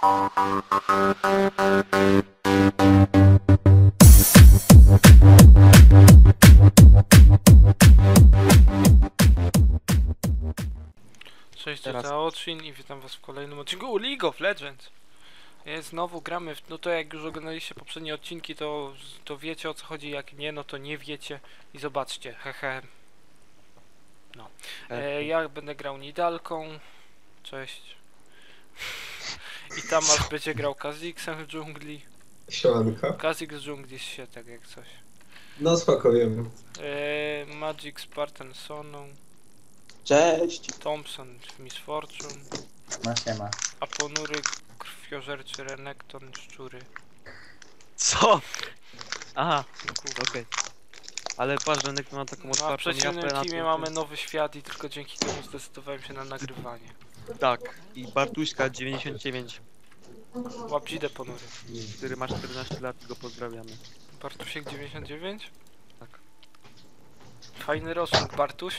Cześć, to Zaoczin i witam was w kolejnym odcinku League of Legends. Znowu gramy no to jak już oglądaliście poprzednie odcinki, to wiecie o co chodzi, jak nie, no to nie wiecie i zobaczcie, hehe. No. Ja będę grał Nidalką. Cześć. I Tamas będzie grał Kha'Zixem w dżungli. Siemanko. Kha'Zix z dżungli się tak jak coś. No spoko, wiem. Magic Spartan Soną. Cześć. Thompson w Miss Fortune. No siema. A ponury krwiożerczy Renekton szczury. Co? Aha, okej. Ale patrz, Renekton ma taką No, a w otwartą przeciwnym japę na teamie tym- mamy nowy świat i tylko dzięki temu zdecydowałem się na nagrywanie. Tak, i Bartuśka 99, Łapdzidę ponury. który ma 14 lat i go pozdrawiamy. Bartusiek 99? Tak. Fajny rocznik, Bartuś.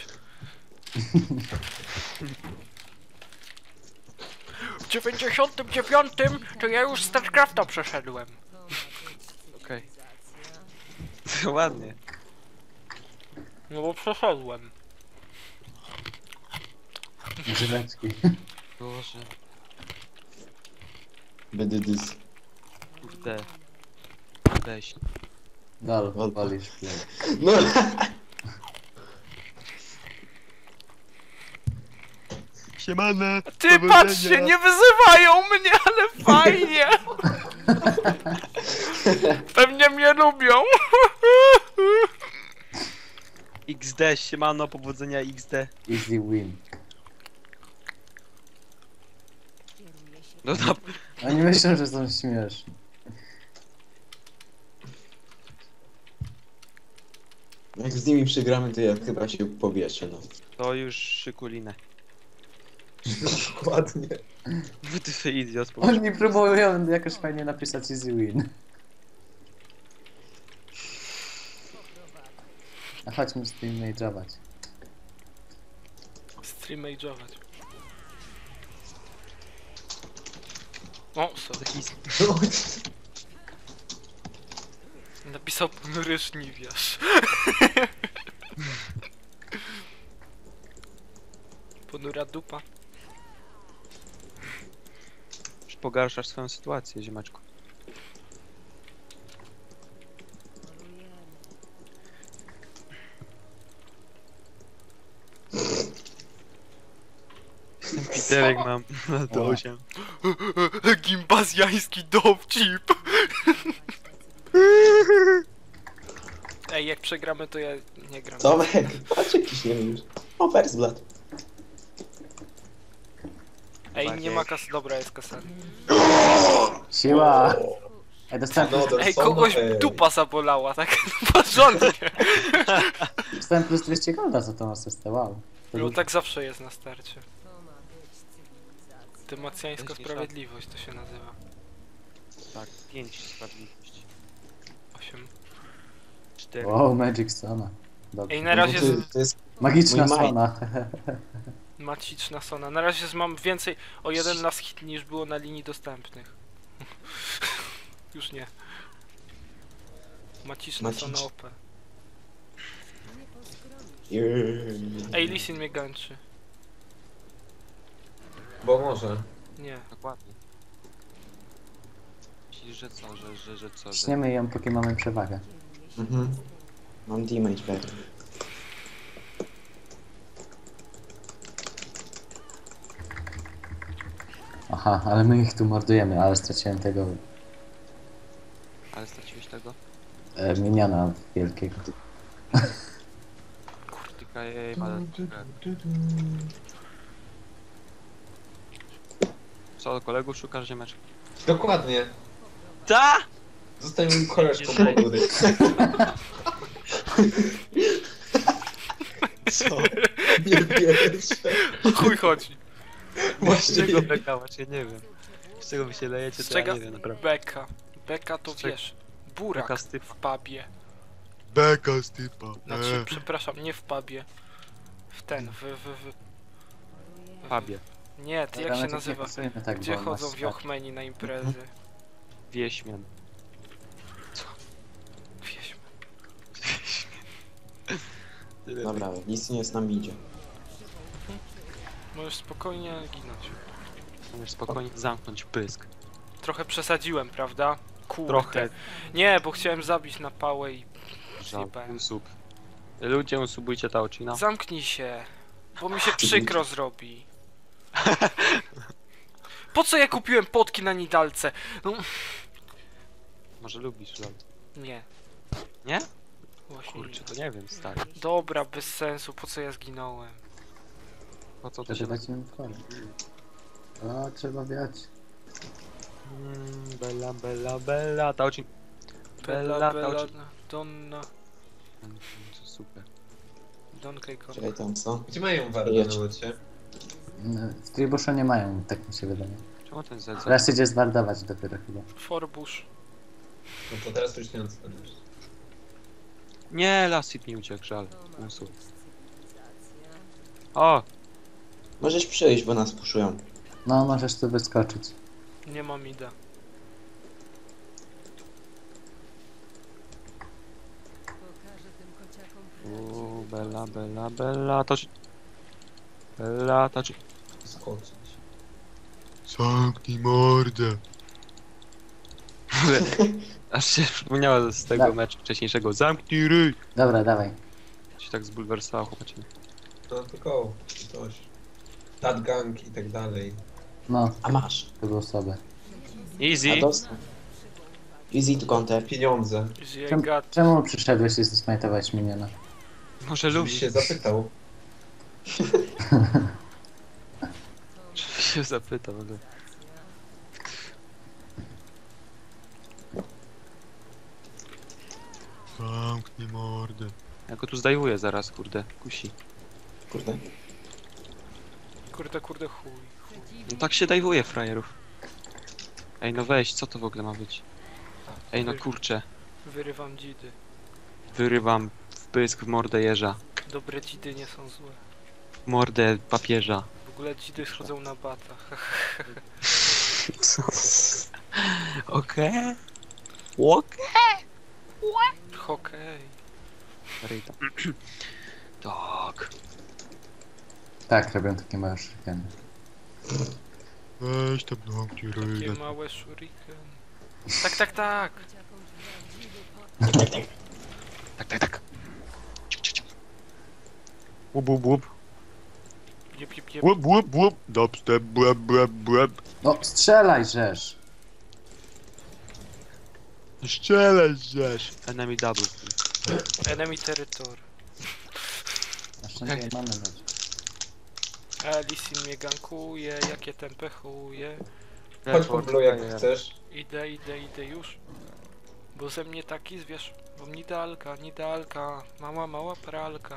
W 99 to ja już StarCrafta przeszedłem. Okej. Ładnie. No bo przeszedłem. Grzybeczki. Boże, Będę dys. kurde. Weź. Dal, walisz. No. Siemane! Ty patrzcie, nie wyzywają mnie, ale fajnie! Pewnie mnie lubią. XD, siemano, powodzenia XD. Easy win. No na... Oni myślą, że są śmieszni. Jak z nimi przegramy, to ja chyba się powieszę, no. To już szykulinę. Dokładnie. Ty idiot, po Oni próbują jakoś fajnie napisać easy win. A chodźmy z tym mage'ować. Streamage'ować. O, sorry. Napisał ponury szniwiarz. Ponura dupa. Już pogarszasz swoją sytuację, ziemaczku. Piterek mam na to 8. Gimbazjański dowcip. Ej, jak przegramy, to ja nie gram. Tomek, patrz jakiś nie wiem. O, Versblad. Ej, nie ma kasy. Dobra, jest kasa. Siła! Ej, dostałem, Ej, kogoś dupa zabolała, tak porządnie. dostałem plus 200 golda za tą asystę, wow. To No dużo. tak zawsze jest na starcie. Dymacjańska sprawiedliwość to się nazywa. Tak, 5 sprawiedliwości. 8. 4. Wow, Magic Sona. Dobrze. Ej, na razie To jest Magiczna mój mic. Sona. Maciczna Sona. Na razie mam więcej o jeden last hit niż było na linii dostępnych. Już nie. Maciczna Macicz. Sona OP. Ej, Ej, Lisin mnie gańczy. bo może. Nie. Dokładnie. Myślisz, że co, że co, że... Śniemy ją, póki mamy przewagę. Mhm. Mam damage back. Aha, ale my ich tu mordujemy, ale straciłem tego Ale straciłeś tego? miniona wielkiego. Kurtyka, jej, ale... Co, kolegów szukasz, ziemeczku? Dokładnie. Ta! Zostań mi koleżką Jeżeli- ponury. Co? Nie wierzę. O chuj chodzi. Z Właśnie. czego bekałaś? Ja nie wiem. Z czego wy się lejecie, Z to ja czego? nie wiem, naprawdę. Beka. Beka to Z czego? wiesz. Burak Beka z typa. w pubie. Beka z typa. Znaczy, przepraszam, nie w pubie. W ten, w Pabie. Nie, ty jak Dobra, się my tak nie nazywa? pasujemy tak, Gdzie bo chodzą masz- wiochmeni na imprezy? Wieśmian. Wieśmy. Dobra, nic nie z nami idzie. Możesz spokojnie ginąć. Możesz spokojnie zamknąć pysk. Trochę przesadziłem, prawda? Kurde. Trochę. Nie, bo chciałem zabić na pałę i... Żal. Zjebałem. Unsub. Ludzie, unsubujcie ta ocina. Zamknij się, bo mi się przykro zrobi. Po co ja kupiłem potki na Nidalce? No, Może lubisz, żal. nie. Nie? Właśnie Kurczę, nie. to nie wiem, stary. Dobra, bez sensu, po co ja zginąłem? Po co to się... Żeby dać im wkład. O, trzeba wiać. Bella, bella, bella, ta ocin... Bella, ta bella, ocin... donna, Super. don Keiko. Czekaj tam, co? Gdzie mają wardę Jedź. na locie? W Tribuszu nie mają, tak mi się wydaje. Czemu ten Z? Teraz idzie zwardować dopiero chyba. Forbush. No to teraz już nie odstaniesz. Nie, Lassit mi uciekł, żal. Unsub. O! Możesz przyjść, bo nas puszują. No, możesz tu wyskoczyć. Nie mam ida. Bella, bella, bella, to ci... Bella, to ci... Skoczyć. Zamknij mordę. Aż się przypomniało z tego Tak. meczu wcześniejszego. Zamknij ryj! Dobra, dawaj. Się tak zbulwersowało, chłopacie. No tylko coś. Gang i tak dalej. No, A masz. to było słabe. Easy! A dostał. Easy to counter. Pieniądze. Zjegat. Czemu przyszedłeś i zesmajtowałeś miniona? Może Żebyś lubi się zapytał. się zapytał, ale... Zamknij mordę. Ja go tu zdejmuję zaraz, kurde. Kusi. Kurde. Kurde, chuj. No tak się dajwuje frajerów. Ej, no weź, co to w ogóle ma być? Ej, no kurczę. Wyrywam dzidy. Wyrywam w pysk w mordę jeża. Dobre dzidy nie są złe. W mordę papieża. W ogóle dzidy schodzą na batach. Co? Okej? Okej? Hokej. Ryta. Tak. Tak, robią takie małe szykany. Weź tam zamknij ryj. Takie małe shuriken. Tak, tak, tak. Tak, tak, tak. Łup, łup, łup. Jep, jep, jep. Łup, łup, łup. Dubstep, błeb, błeb, błeb. No, strzelaj, żeż! Strzelaj, żeś. Enemy double. Enemy territory. Na szczęście mamy dać. Lisin mnie gankuje, jakie tempę chuje. Chodź po blue jak chcesz. Idę już. Bo ze mnie taki zwierz. Bo nidalka. Mała pralka.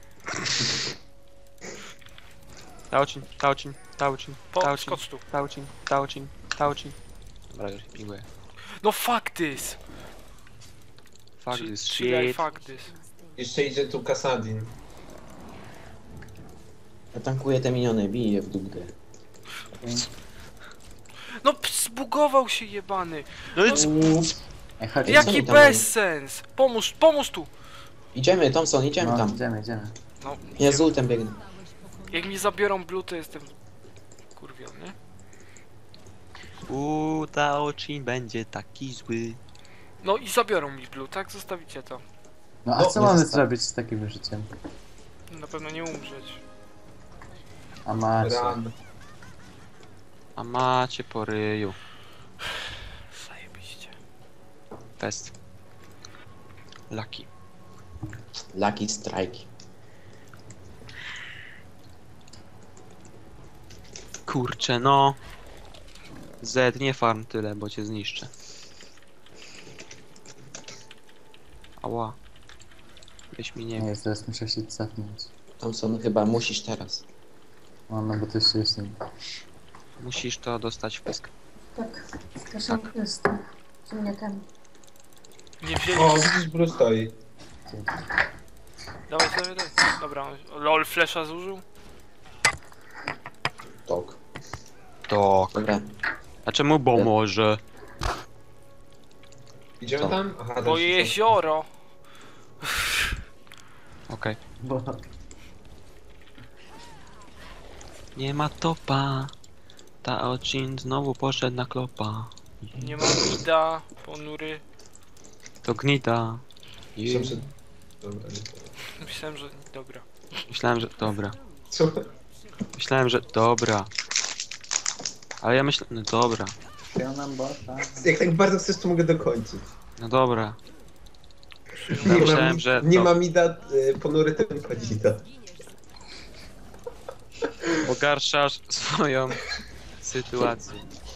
Taucin, taucin, taucin, taucin, Skocz tu. taucin, taucin, taucin. Dobra, już pinguję. No fuck this! Fuck this Chill, shit. fuck this. Jeszcze idzie tu Kasadin. Ja tankuję te miniony, biję w dupkę. No zbugował się jebany. No i Ej, chodź. Jak- Jaki oni tam bezsens! Pomóż tu! Idziemy, Thompson, idziemy No, tam. idziemy. No, Ja z ultem biegnę. jak mi zabiorą blue, to jestem kurwiony. Taucin będzie taki zły. No i zabiorą mi blue, tak? Zostawicie to. No, a No, co nie mamy zostaw. zrobić z takim życiem? Na pewno nie umrzeć. A macie. Ran. A macie po ryju. Zajebiście. Fest. Lucky. Lucky strike. Kurczę, no. Z, nie farm tyle, bo cię zniszczę. Ała. Weź mi nie. Nie, zaraz muszę się cofnąć. Thompson, chyba musisz teraz. No, bo to jeszcze jest... Musisz to dostać w pysk. Tak, skaszankę z tym ziemniakami. Nie wzięli. O, widzisz, blue stoi. Dawaj. Dobra, lol, flesza zużył? Tok. Tak. Dobra, A czemu bo może? Idziemy Co? tam? Aha, Bo też są- jezioro. Okej. Bo... Nie ma topa. Ta odcinek znowu poszedł na klopa. Nie ma mida, ponury. To gnida. Myślałem, że... Dobra, nie to. Myślałem, że dobra. Myślałem, że dobra. Co? Myślałem, że dobra. Ale ja myślę, no dobra. Ja nam bota. Jak tak bardzo chcesz, to mogę dokończyć. No dobra. Nie myślałem, ma, że nie to- ma mida, ponury tylko dzida. Pogarszasz swoją sytuację.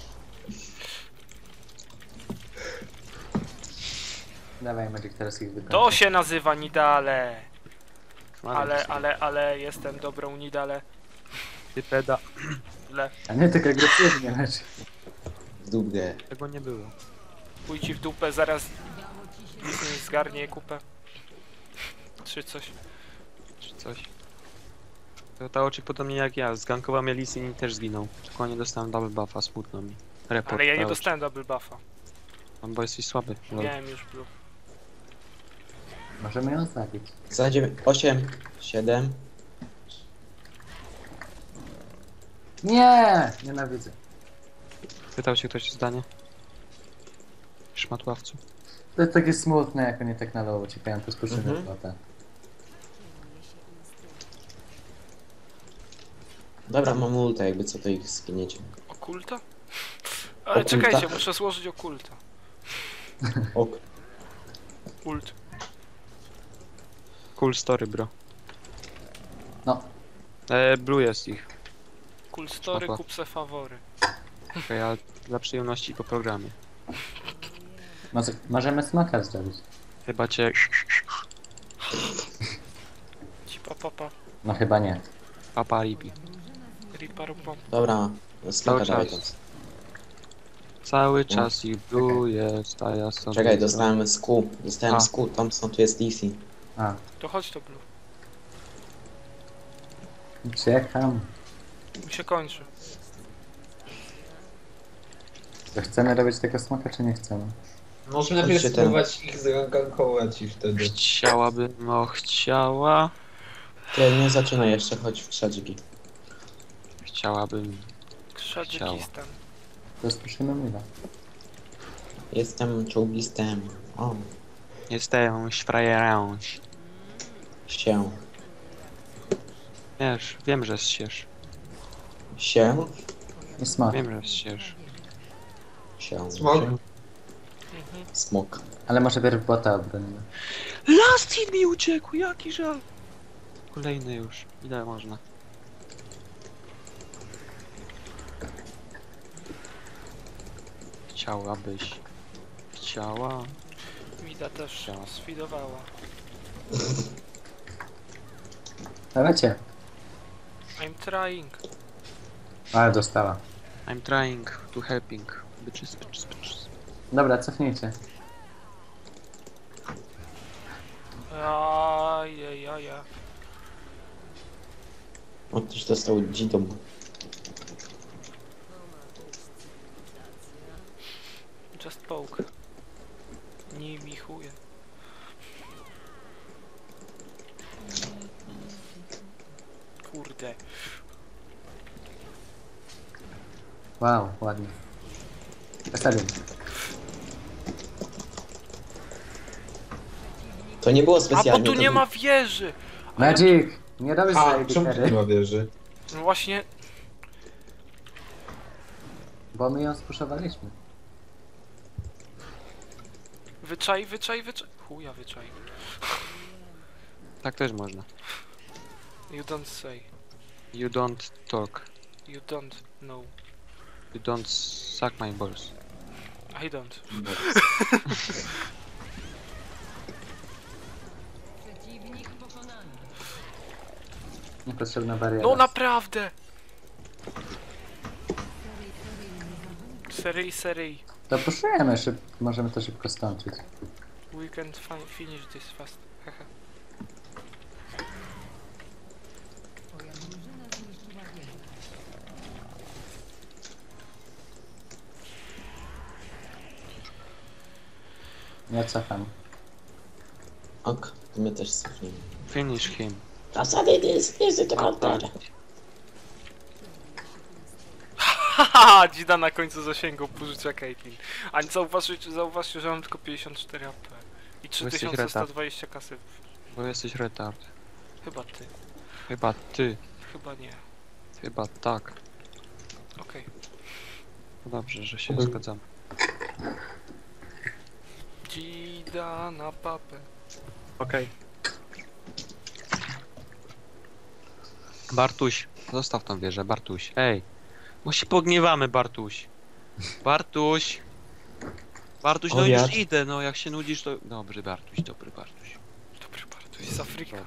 Dawaj Magic, teraz ich wykończę. To się nazywa Nidale. Kłamie, Ale jestem dobrą Nidale. Ty peda. Le. A nie tak agresywnie, lecz. w dupę. Tego nie było. Pójdź ci w dupę, zaraz Disney zgarnie kupę. Czy coś. Czy coś. To ta oczy podobnie jak ja. Zgankowa mnie Lee Sin i też zginął. Tylko nie dostałem double buffa, smutno mi. Report. Ale ja nie ta oczy. dostałem double buffa. Bo jesteś słaby. Lol. Miałem już blue. Możemy ją zabić. Za 8, 7. Nie! Nienawidzę. Pytał się ktoś o zdanie? Szmatławcu. To jest takie smutne, jak oni tak na low uciekają, to spuszczę Mhm. bota. Dobra, mam ulta, jakby co to ich skiniecie. Okulta? Ale Okulta? czekajcie, muszę złożyć okulta. Ok. Ult. Cool story, bro. No. Blue jest ich. Cool story, Spoko. kup se fawory. Okej, ale dla przyjemności po programie. Możemy smoka zrobić. Chyba cię... Ci papa. No chyba nie. Papa ribi. Riparupom. Dobra, smoka Cały dawaj czas. tam. Cały czas ich Blue jest, a ja sobie... Czekaj, dostałem SQ. Dostałem A. SQ, Thompson, tu jest DC. A, To chodź to blue. uciekam. Mi się kończy. To chcemy robić tego smoka, czy nie chcemy? Może najpierw Chodźcie ten. spróbować ich zgankować i wtedy. Chciałabym, no chciała... Ty nie zaczynaj jeszcze, chodź w krzadziki. Chciałabym... Krzadzikistan. To spuszymy mila. Jestem czołgistem. O, Jestem frajerem. się. Wiesz, wiem, że zsiesz. Się? I smok. Wiem, że zsiesz. Się. Smok? Mhm. Smok. Ale może pierw bota obronimy. Last hit mi uciekł, jaki żal. Kolejny już. Ile można? Chciałabyś. Chciała. Mida też Chciała. sfidowała. Dawajcie. I'm trying. Ale dostała. I'm trying to helping. Bitches, bitches, bitches. Dobra, cofnijcie. Ajajaja. O, ktoś dostał dzidą. Just poke. Nie mi chuje. Kurde. Wow, ładnie. Zostawiam. To nie było A bo specjalnie. tu to nie był- ma wieży! Magic! Nie robisz A, swojej czemu tu litery, nie ma wieży? No właśnie, bo my ją spuszowaliśmy. wyczaj. Chuja wyczaj. Tak też można. You don't say. You don't talk. You don't know. You don't suck my balls. I don't. Niepotrzebna bariera. No naprawdę! Seryj. To puszujemy możemy to szybko skończyć. We can finish this fast. Haha. Ja cofam. Ok, my też cofniemy. Finish him. Zasady jest Haha, Dzida na końcu zasięgał pożycia Caitlyn. A zauważcie, że mam tylko 54 AP. I jesteś 3120 kasy. Bo jesteś retard. Chyba ty. Chyba ty. Chyba nie. Chyba tak. Okej. No dobrze, że się zgadzam. Dzida na papę. Okej. Bartuś, zostaw tą wieżę, Bartuś. Ej, bo się pogniewamy, Bartuś. Bartuś. Bartuś, no Obiad. już idę, no jak się nudzisz to... Dobry Bartuś, dobry Bartuś. Dobry Bartuś z Afryka.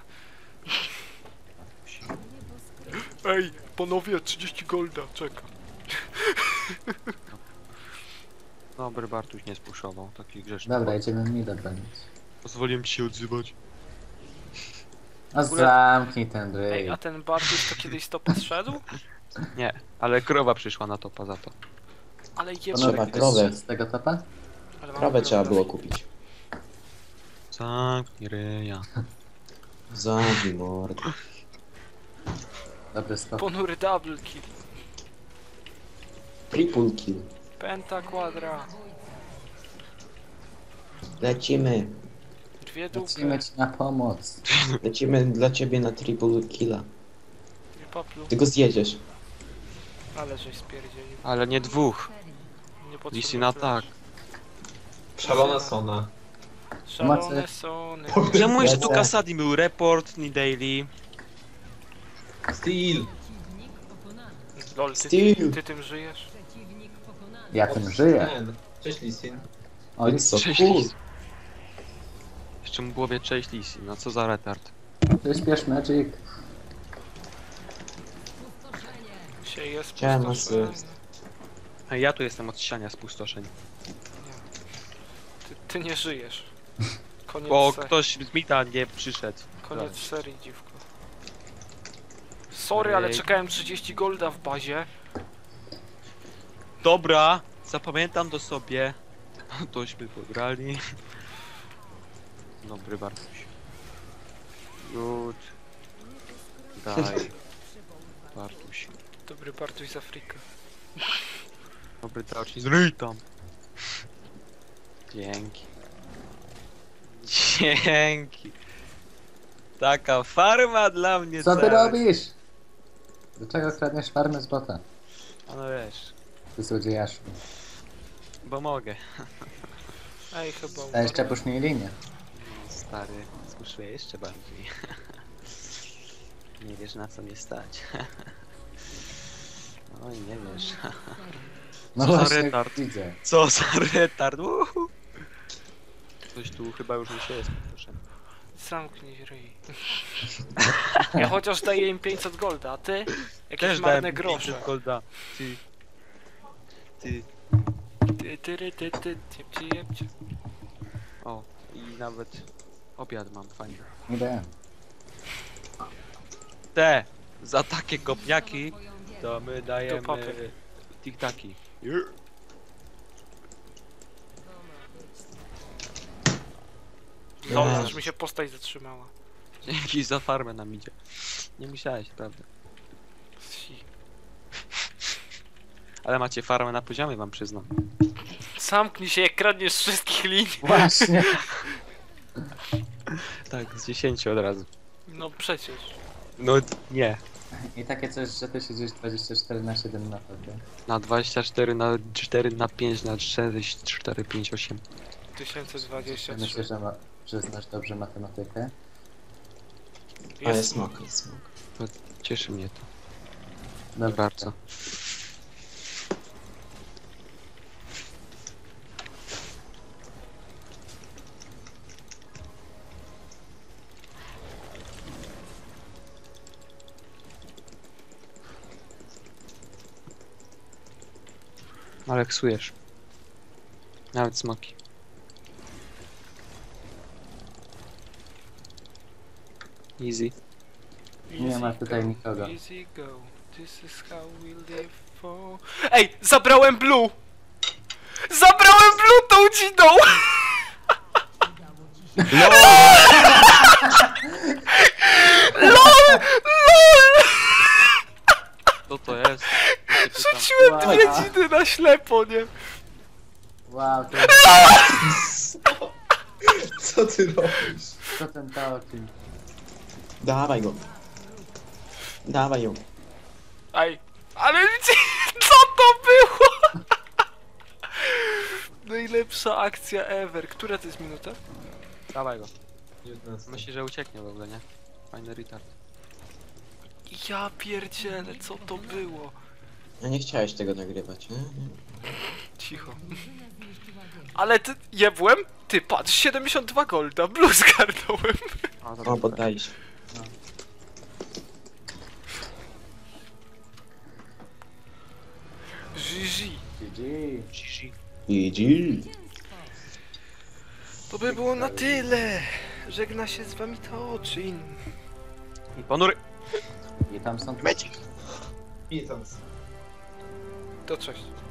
Ej, panowie, 30 golda, czekam. Dobry Bartuś nie spuszował, taki grzeszny. Dobra, idziemy mi bronić. Pozwoliłem ci się odzywać. A zamknij ten Ej, ryj. a ten Bartuś to kiedyś stopa zszedł? Nie, ale krowa przyszła na topa za to. Ale Trzeba jebany. krowę. Z tego topa? Ale mam Krowę trzeba krowę. było kupić. Zamknij ryja. Zabij mordę. Dobry skok. Ponury double kill. Triple kill. Penta quadra. Lecimy. Dwie dupy. Lecimy ci na pomoc. Lecimy dla ciebie na triple killa. Nie paplu. Ty go zjedziesz. Ale żeś spierdzielił. Ale nie dwóch. Nie potrzebuję Lisy na tak. Szalona Sona. Szalone Mocy. sony. Ja mówię, że tu Lecę. Kasadi był report, nie daily. Steel. Lol, Steel. ty tym żyjesz? Ja tym żyję. Ten. Cześć Lisin. O, Więc co? Cześć, Cool. Lis. Jeszcze mu głowie cześć Lisy, no co za retard. przyspiesz Magic. Się jest Siema, pustoszenie. sus. A ja tu jestem od siania spustoszeń. Ty nie żyjesz. Koniec, Bo se- ktoś z Mita nie przyszedł. koniec serii, dziwko. Sorry, ale Ej. czekałem 30 golda w bazie. Dobra, zapamiętam to sobie. Tośmy pograli. Dobry Bartuś. Good. Daj. Bartuś. Dobry Bartuś z Afryki. Dobry Tauci. Zryj tam. Dzięki. Dzięki. Taka farma dla mnie Co ty cała. robisz? Dlaczego kradniesz farmę z bota? A no wiesz, Ty złodziejaszu. bo mogę. Ej, chyba A jeszcze umarłem. puszczaj linię. Stary, skuszuję jeszcze bardziej. Nie wiesz na co mnie stać. Oj, nie wiesz. No Co za właśnie, retard. widzę. Co za retard. Uhu. Ktoś tu chyba już nie się jest, proszę. Zamknij ryj. Ja chociaż daję im 500 golda, a ty? Jakieś Też marne dałem grosze. 500 golda. Ty. Jebcie. O, i nawet obiad mam, fajnie. Idę. Te, za takie kopniaki, to my dajemy papy. tiktaki. Lol, aż mi się postać zatrzymała. Dzięki za farmę nam idzie. Nie musiałeś, prawda? Si. Ale macie farmę na poziomie, wam przyznam. Zamknij się, jak kradniesz z wszystkich linii. Właśnie. Tak, z 10 od razu. No przecież. No nie. I takie coś, że ty siedzisz 24/7 na tobie. Na 24, na 4, na 5, na 6, 4, 5, 8. 1023. Myślę, że znasz dobrze matematykę. A jest smok, jest smok. Cieszy mnie to Dobra. bardzo. Aleksujesz. Nawet smoki. Easy. Nie ma tutaj go, nikogo. Easy go. This is how we live for... Ej, zabrałem blue! Zabrałem blue tą dzidą! Co to jest? Ja się pytam. Rzuciłem Wow. dwie dziny na ślepo, nie? Wow, to Co ty robisz? co ten Taoczyn? Dawaj go. Dawaj ją. Aj, ale co to było? Najlepsza akcja ever. Która to jest minuta? Dawaj go. 19. Myślę, że ucieknie w ogóle, nie? Fajny retard. Ja pierdzielę, co to było? No nie chciałeś tego nagrywać, nie? Cicho. Ale ty, jebłem? Ty, patrz, 72 golda, blue zgarnąłem. O, O, poddaj się. GG. GG. GG. To by było na tyle. Żegna się z wami Taoczyn. I ponury. I tam są... I tam. To cześć.